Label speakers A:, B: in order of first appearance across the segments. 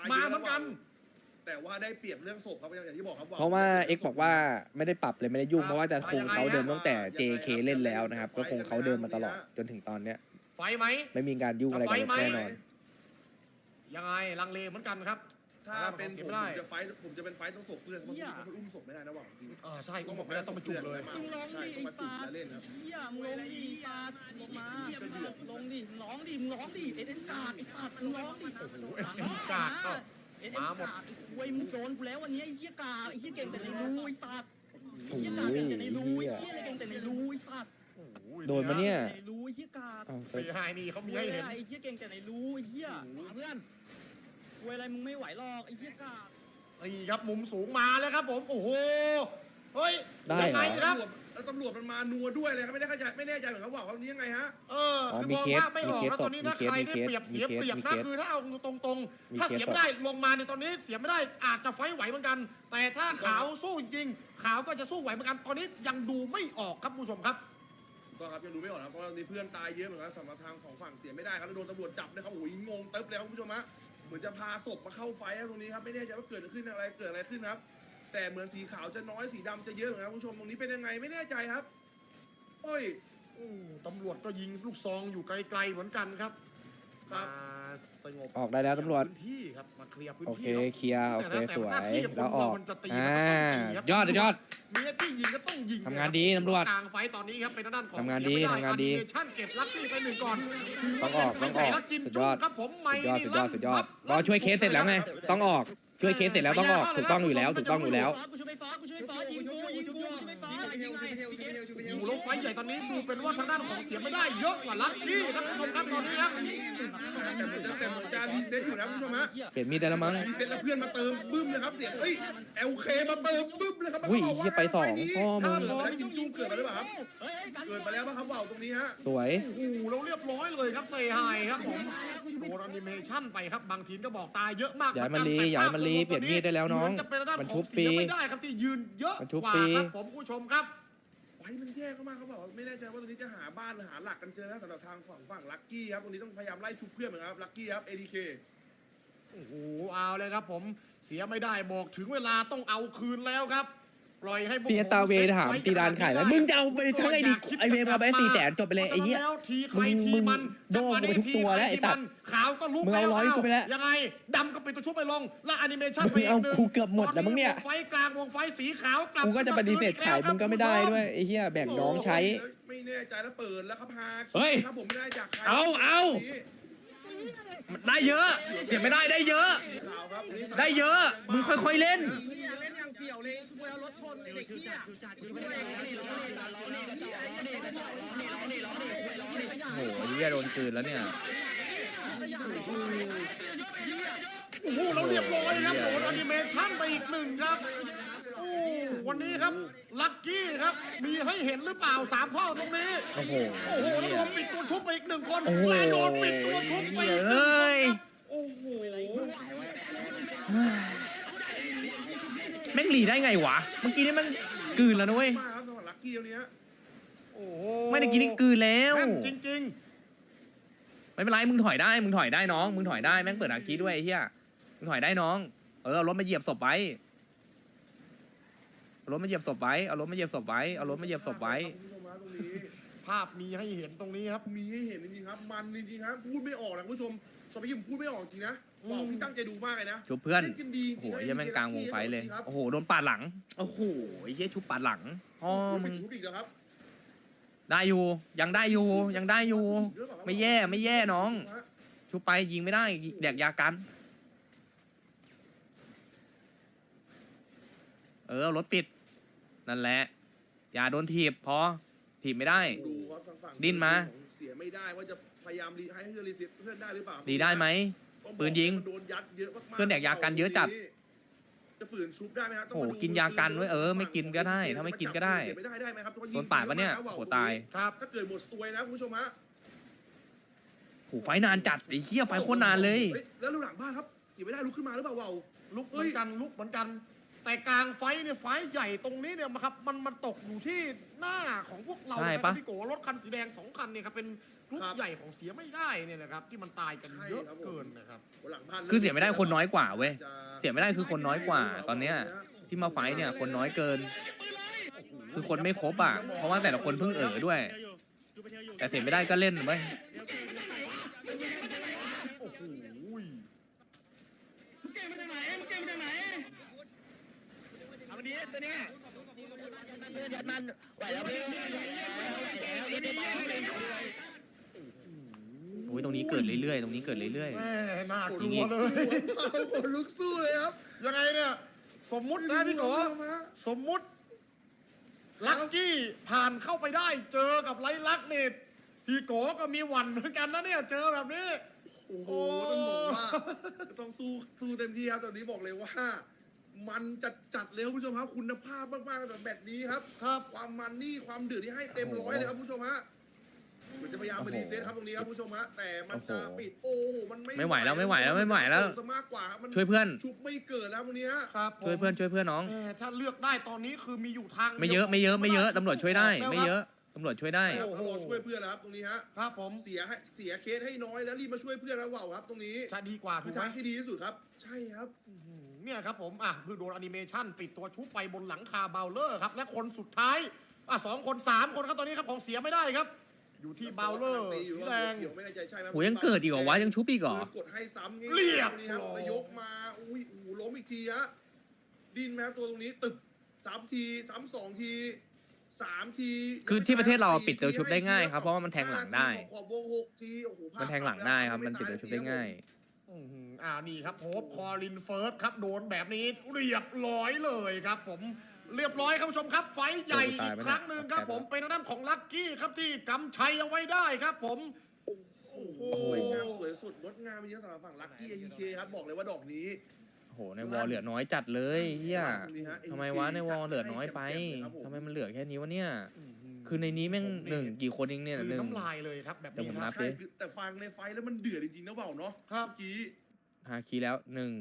A: มาเหมือนกัน
B: แต่ว่าได้เปรียบเรื่องศพครับอย่างที่บอกครับ
C: เพราะว่าเอ็กบอกว่าไม่ได้ปรับเลยไม่ได้ยุ่งเพราะว่าจะคงเขาเดิมตั้งแต่ JK เล่นแล้วนะครับก็คงเขาเดิมมาตลอดจนถึงตอนเนี้ย
A: ไฟไหม
C: ไม่มีการยุ่งอะไรกันแน่นอน
A: ยังไงลังเลเหมือนกันครับ
B: ถ้าเป็นผมจะเป็นไฟต้องศพเพื่อนเพราะมันอุ้มศพไม่ได้นะหวังจริง
A: ใช่ต้องบอกไม่ได้ต้องมาจุ่มเลย
B: มึงร้องดิต้องมาจุ่มแล้วเล่นครับ
D: เฮียมึงร้องดิซาดลงมาลงดิร้องดิมึงร้องดิเอ็นกาดไอ้สัตว์มึงร้องดิ
A: โอ้โหเอสเอ็มกาดก็
D: เอ็นกาดไอ้ควยมึงโดนกูแล้ววันนี้ไอ้เฮียกาไอ้เฮียเก่งแต่ในรูไอ้สัตว์ไอ้เฮียกาเก่งแต่ในรูไอ้เฮียอะไรเก่งแต่ในรูไอ้สัตว์
C: โดนมาเนี่ย
D: ในรูไอ้เฮียกา
A: เสียหายนี่เขามีให้เห็น
D: ไอ้เฮียเก่งแต่ในรูไอ้เฮีย
A: เพื่อน
D: ควยอะไรมึงไม่ไหวหรอกไอ้เฮียกา
A: นี่ครับมุมสูงมาแล้วครับผมโอ้โหเฮ้ย
C: ได้
A: ยัง
C: เหร
A: ไง
C: อ
A: ครับ
B: แล้วตำรวจมันมานัวด้วยเลยครับไม่แน่ใจเหมือนเขาบอกว่านี้ยังไงฮะ
A: คือมองว่าไม่ออกแล้วตอนนี้นะใครได้เปรียบเสียเปรียบนะคือถ้าเอาตรงๆถ้าเสียไม่ได้ลงมาในตอนนี้เสียไม่ได้อาจจะไฟไหวเหมือนกัน แต่ถ้าขาวสู้จริงขาวก็จะสู้ไหวเหมือนกันตอนนี้ยังดูไม่ออกครับผู้ชมครับ
B: ก็ครับยังดูไม่ออกนะเพราะมีเพื่อนตายเยอะเหมือนกันสำหรับทางของฝั่งเสียไม่ได้ครับแล้วโดนตำรวจจับนะครับโอ้ยงงเติบเลยครับคุณผู้ชมฮะเหมือนจะพาศพมาเข้าไฟตรงนี้ครับไม่แน่ใจว่าเกิดอะไรขึ้นครับแต่เหมือนสีขาวจะน้อยสีดำจะเยอะเหมือนกันคุณผู้ชมตรงนี้เป็นยังไงไม่แน่ใจครับโอ้ย
A: ตำรวจก็ยิงลูกซองอยู่ไกลๆเหมือนกันครับ
B: ครับ
A: มาสงบ
C: ออกได้แล้วตำรวจ
A: พื้นที่ครับมาเคลียร์พื้น
C: โอ
A: ที่
C: เคเคลียร์โอเคสวยแล้วออก
A: มันจะตีมันก็ต้องตีครับ
C: ยอด
A: มีที่ยิงก็ต้องยิง
C: ทำงานดีตำรวจ
A: กลางไฟตอนนี้ครับเป็นด้านของ
C: ทำงานดี
A: เสียไม่ไ
C: ทำงานดี
A: อนิเมชั่นเก็บลักซี่ไปหนึ่งก่อน
C: ต้องออก
A: แล้วจิน
C: สุดย
A: จุ้
C: อง ด
A: ครับผมไม่
C: สุดยอดรอช่วยเคสเสร็จแล้วไงต้องออกช่วยเคสเสร็จแล้วต้องออกถูกต้องอยู่แล้วถูกต้องอยู่แล้ว
D: กูช่วยไฟฟ้ายิงกูช่วยไฟฟ้ายิงไง
A: อยู่แล้วไฟใหญ่ตอนนี้ดูเป็นว่าทางด้านของเสียไม่ได้เยอะกว่าลักกี้ท่านผู้ชมครับตอนนี้ครับ
B: แต่เหมือนจะรีเซ็ตอยู่นะคุณผู้ชมฮะ
C: เปลี่ยนมีดได้แล้วมั้ง
B: รีเซ็ตแล้วเพื่อนมาเติมบึ้มเลยครับเสียงเอ้ย LK มาเติมบึ้มเลยครับ
C: อุ้ยเหี้ยไปสองพ่อมึง
B: เกิดมาแล้วกินจุ้งเกิดมาหรือเปล่าครับเกิดมาแล้วป่ะครับว่าวตรงนี้ฮะ
C: สวย
A: โอ้โหเราเรียบร้อยเลยครับเซไฮครับผมโดนแอนิเมชั่นไปครับบางทีมก็บอกตายเยอะมาก
C: อย่าให้มันรีอย่าให้มันรีเปลี่ยนมีดได้แล้วน้อง
A: เหมืจะเป็นด้าน
C: มัน
A: ข
C: ชุ
A: อง
C: บฟ
A: เสี
C: รี
A: ยไม่ได้ครับที่ยืนเยอะ
C: มันชุบ
A: กว่า
C: ฟรี
A: ครับผมผู้ชมครับ
B: ไว้มันแย่เข้ามาเขาบอกว่าไม่แน่ใจว่าตรงนี้จะหาบ้านหรือหาหลักกันเจอนะสำหรับทางฝั่งลักกี้ครับตรงนี้ต้องพยายามไล่ชุบเพื่อนเหมือนกันครับลักกี้ครับ ADK
A: โอ้โหเอาเลยครับผมเสียไม่ได้บอกถึงเวลาต้องเอาคืนแล้วครับปล่อยให้พวก
C: พี่ตาเวถามตีดานขายแล้วมึงจะเอาไปทั้งไอ้ดิไอเวมาไป400,000จบไปเลยไอ้เหี้ย
A: แล้วทีใครที
C: มึง
A: มัน
C: โดนกูไปทุกตัวแล้วไอ้สัตว์
A: ขาวก็ลุก
C: มึงเอาร้อยกูไปแล้ว
A: ยังไงดำก็ปิดตัวชุบไปลงแล้วแอนิเมชั่น
C: มึ
A: ไป
C: ง
A: อี
C: เอา
A: กหนึ่ง
C: กูเกือบหมดแล้วมึงเนี่ย
A: วงไฟกลางวงไฟสีขาวกลับ
C: กูก็จะปฏิเสธขายมึงก็ไม่ได้ด้วยไอ้เหี้ยแบ่งน้องใช้
B: ไม่แน่ใจแล้วเปิดแล้วครับฮา
C: เฮ้ย
B: ครับผมไม่ได้จากใคร
C: เอา ได้เยอะเสียไม่ได้ได้เยอะ
B: ข่าวครับ
C: ได้เยอะมึงค่อยๆเล่น
D: เล่นอย่างเสี่ยวเลยกูเอารถชนเด็กเหี้ย
C: โอ้โหเหี้ยโดนคืนแล้วเนี่ย
A: โอ้โหเราเรียบร้อยครับโดนแอนิเมชั่นไปอีกหนึ่งครับโอ้วันนี้ครับลัคกี้ครับมีให้เห็นหรือเปล่า3ข้อตรงนี้
C: โอ้โห
A: โอ้โหแล้วโดนปิดตัวชุบไปอีก1คน
C: โอ้โห
A: และโดนปิดตัวชุบไปอีก1คน
C: เฮ้ย
A: โอ้โห
C: แม่งหลีได้ไงวะเมื่อกี้นี่มันกลืนแล้วนะเว้ย
B: มาครับสำหรับลักกี้เนี้ย
A: โอ้โห
C: ไม่ได้กินนี่กลืนแล้ว
A: แม่นจริง
C: ไม่เป็นไรมึงถอยได้มึงถอยได้น้องมึงถอยได้แม่งเปิดอาคีด้วยไอ้เหี้ยมึงถอยได้น้องเอารถมาเหยียบศพไว้เอารถมาเหยียบศพไว้เอารถมาเหยียบศพไว้เอารถมาเหยียบศพไว้
B: คุณผู้ชมฮะตรงนี้
A: ๆ ภาพมีให้เห็นตรงนี้ครับ
B: มีให้เห็นจริงๆครับ มันจริงๆครับพูดไม่ออกนะคุณผู้ชมสมัยผมพูดไม่ออกจริงนะบอกพี่ตั้งใจดูมากเลยนะ
C: ชุบเพื่อน
B: ล่นกันดีจ
C: โอ้
B: ริ
C: โห
B: งๆ
C: เหี้ยังแม่งกลางวงไฟเลย
B: ครับ
C: โอ้โหโดนปาดหลังโอ้โหไอ้เหี้ยชุบปาดหลังพ่อ
B: โอ้
C: มึ
B: ย
C: ง
B: ชุบอีกแล้วครับ
C: ได้อยู่ยังได้อยู่ยังได้อยู่ ไม่แย่ไม่แย่น้อง ชุบไปยิงไม่ได้แดกยากันรถปิดนั่นแหละอย่าโดนถีบพอถีบไม่ได้
B: ดูครับฝั่ง
C: ดิ้นมา
B: เสียไม่ได้ว่าจะพยายามให้เพื่อนรีเซ็ตเพื่อนได้หรือเปล่า
C: ดีได้ไหม
B: ต้องบอก
C: ปืนยิง
B: มันโดนยัดเยอะมากๆ
C: เพื่อนแดกยากันเยอะจัด
B: จะฝืนชุบได้ไหมครับต้ง
C: โอ้
B: มา
C: โห
B: ดู
C: กินยากันไว้ไม่กินก็ได้ถ้าไม่กินก็ได้
B: เสียไม่ได้ไหมครับ
C: โดนปาดปะเนี่ยโอ้โหตาย
A: ครับ
B: ถ้าเกิดหมดซวยนะคุณผู้ชมฮะ
C: โอ้โหไฟนานจัดไอ้เหี้ยไฟโคตรนานเลย
B: แล้วลูกหลังบ้านครับเสียไม่ได้ลุกขึ้นมาหรือเปล่าเวา
A: ลุกเหมือนกันลุกเหมือนกันแต่กลางไฟเนี่ยไฟใหญ่ตรงนี้เนี่ยครับมันตกอยู่ที่หน้าของพวกเรา
C: ใช่
A: นะค
C: ปะ
A: รับพี่โกรถคันสีแดง2คันเนี่ยครับเป็นกรุ๊ปใหญ่ของเสียไม่ได้เนี่ยแหละครับที่มันตายกันเยอะเกินนะครับ
B: หลังพัน
C: คือเสียไม่ได้คนน้อยกว่าเว้ย เสียไม่ได้คือคนน้อยกว่าตอนเนี้ยที่มาไฟท์เนี่ยคนน้อยเกิน คือคนไม่ครบอ่ะเพราะว่าแต่ละคนเพิ่งด้วย แต่เสียไม่ได้ก็เล่นเว้ย
A: โอ้โห
D: มึงเก่งมาจากไหนมึงเก่งมาจากไหนเอามาดีตัวนี้มันไหวแล้วพี่
C: โอ้ยตรงนี้เกิดเรื่อยๆตรงนี้เกิดเรื่อย
A: แม่น่าก
C: จ
A: ลั
C: ริ
A: ว
C: งๆ
A: เลย
B: คนลุกสู้เลยครับ
A: ยังไงเนี่ยสมมุตินะพี่โกสมมุติลักกี้ผ่านเข้าไปได้เจอกับไลลักเนี่ยพี่โกก็มีหวั่นเหมือนกันนะเนี่ยเจอแบบนี้
B: โอ้โหต้องบอกว่าต้องสู้เต็มที่ครับตอนนี้บอกเลยว่า มันจัดเลยครับคุณผู้ชมครับคุณภาพมากๆแบบนี้ครับความมันนี่ความเดือดที่ให้เต็มร้อยเลยครับคุณผู้ชมฮะเหมือนจะพยายามไปรีเซ็ตครับตรงนี้ครับคุณผู้ชมฮะแต่มันจะปิดโอ้โหมัน
C: ไม่ไหวแล้วไม่ไหวแล้วไม่ไหวแล้ว
B: ซะมากกว่าครับมัน
C: ช่วยเพื่อน
B: ชุบไม่เกิดแล้วตรงนี้ฮะ
A: ครับ
C: ช่วยเพื่อนน้อง
A: แม่ถ้าเลือกได้ตอนนี้คือมีอยู่ทาง
C: ไม่เยอะไม่เยอะตำรวจช่วยได้ ไม่เยอะตำรวจช่วยได้
B: ครับแล้วรอช่วยเพื่อนแล้วครับตรงนี้ฮะ
A: ครับผม
B: เสียเคสให้น้อยแล้วรีบมาช่วยเพื่อนแล้วว่าวครับตรงนี้
A: จะดีกว่าถู
B: คือก
A: ไหม
B: ทางที่ดีที่สุดครับ ใช่ครับ
A: เนี่ยครับผมเพิ่งโดนแอนิเมชันปิดตัวชุบไปบนหลังคาเบลเลอร์ครับและคนสุดท้าย2 คน 3 คนครับตอนนี้ครับของเสียไม่ได้ครับ อยู่ที่เบลเลอร์สีแดง
B: ไม่แน่ใจใช่ไหม
C: โหยังเกิดอีกเหรอวะยังชุบอีกเหรอ
B: กดให้ซ้ำงี้
A: เรียบ
B: นี่ครับนายกมาอุ้ยล้มอีกทีฮะดินแมวตัวตรงนี้ตึบ3 ทีซ้ำ2 ที3 ที
C: คือที่ประเทศเราปิดตัวชุบได้ง่ายครับเพราะว่ามันแทงหลังได้
B: ขอบวง6 ทีโอ้โห
C: มันแทงหลังได้ครับมันปิดตัวชุบได้ง่าย
A: นี่ครับโฮปคอลินเฟิร์สครับโดนแบบนี้เรียบร้อยเลยครับผมเรียบร้อยครับผู้ชมครับ ไฟท์ใหญ่อีกครั้งหนึ่งครับผมเป็นทางด้านของลัคกี้ครับที่กำชัยเอาไว้ได้ครับผมโอ้โห
B: สวยงามสวยสุดงดงามจริงๆสำหรับฝั่งลัคกี้EKครับบอกเลยว่าดอกนี้
C: โอ้โหในวอลเหลือน้อยจัดเลยเฮียทำไมวะในวอลเหลือน้อยไปทำไมมันเหลือแค่นี้วะเนี่ย คือในนี้แม่งกี่คนเองเนี่ย
A: คือ
C: หนึ่ง
A: น้ำลายเลยครับแบบ
C: เดี๋ยว
A: นี้
C: ผม
A: ค
C: นั
A: รับ
C: บดิ
B: แต่ฟังในไฟแล้วมันเดือดจริงๆนะเปล่าเนาะ
A: ครับ
B: เมื่อกี้
C: ฮาคีแล้ว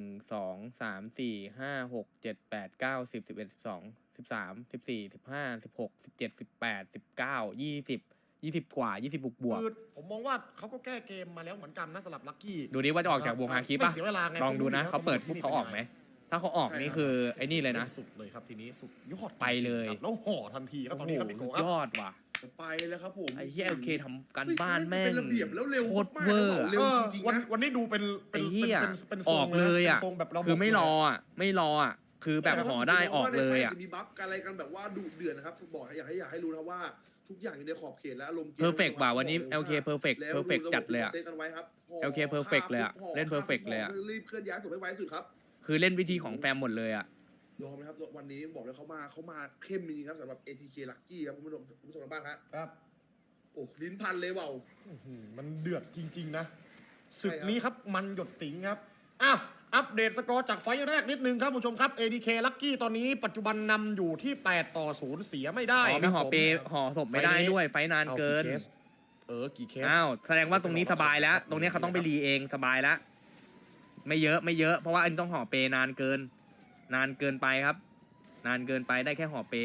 C: 1 2 3 4 5 6 7 8 9 10 11 12 13 14 15 16 17 18 19 20กว่า20บวก
A: คือผมมองว่าเขาก็แก้เกมมาแล้วเหมือนกันนะสำหรับลัคกี้
C: ดูดิว่าจะออกจากวงฮาคีป่ะ
A: ไม่เสียเวลาไง
C: ลองดูนะเขาเปิดปุ๊บเขาออกไหมถ้าเขาออกนี่คือไอ้นี่เลยนะ
A: สุดเลยครับทีนี้สุดยอด
C: ไปเลย
A: ครับแล้วห่อทันทีครับตอนนี้ครับพี่โก
C: สุด
A: ครับ
C: ยอดว่ะ
B: ไปแล้วครับผม
C: ไอ้เหี้ยโอเคทำการบ้านแม่ง
B: เป็นระเบียบแล้วเร็ว
C: โคตร
B: มาก
C: เวอร์
B: เร็วจริงๆนะ
A: วันนี้ดูเป็น
C: ไอ้เหี้ย
A: เป็นท
C: อ
A: รง
C: อกเลยอ่ะ
A: ป็นทรงแบบเรา
C: คือไม่รออ่ะไม่รออ่ะคือแบบห่อได้ออกเลยอ่ะ
B: มีบัฟกันอะไรกันแบบว่าดุเดือดนะครับบอกอยากให้รู้นะว่าทุกอย่างอยู่ในขอบเขตและอารมณ์
C: เพอร์เฟกต์ว่ะวันนี้ LK เพอร์เฟกต์จัดเลยอ่ะ
B: เซตกันไว้ครับ
C: LK perfect เลยอะเล่น perfect เลยอะ
B: รีบเคลื่อนย้ายตัวให้ไวที่สุดครับ
C: คือเล่นวิธีของแฟมหมดเลยอ่ะ
B: ยอมนะครับวันนี้บอกเลยเขามาเข้มจริงๆครับสำหรับ ATK Lucky ครับคุณผู้ชมทางบ้านครับ
A: ครับ
B: โอ้ลิ้นพันเลยเปล่า
A: มันเดือดจริง ๆ นะ ศึก
B: ใช่ครับ
A: นี้ครับมันหยดติ๋งครับอัปเดตสกอร์จากไฟล์แรกนิดนึงครับผู้ชมครับ ADK Lucky ตอนนี้ปัจจุบันนำอยู่ที่8-0เสียไม่ได้
C: อ๋อ
A: ค
C: มี
A: รับ
C: ห่อเปห่อศพไม่ได้ด้วยไฟนานเกิน
A: กี่เคส
C: อ้าวแสดงว่าตรงนี้สบายแล้ว ตรงนี้เขาต้องไปรีเองสบายแล้วไม่เยอะเพราะว่าอันนต้องห่อเปนานเกินไปครับ นานเกินไปได้แค่ห่อเป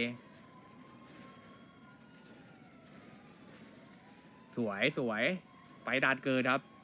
C: สวยไฟนานเกินครับ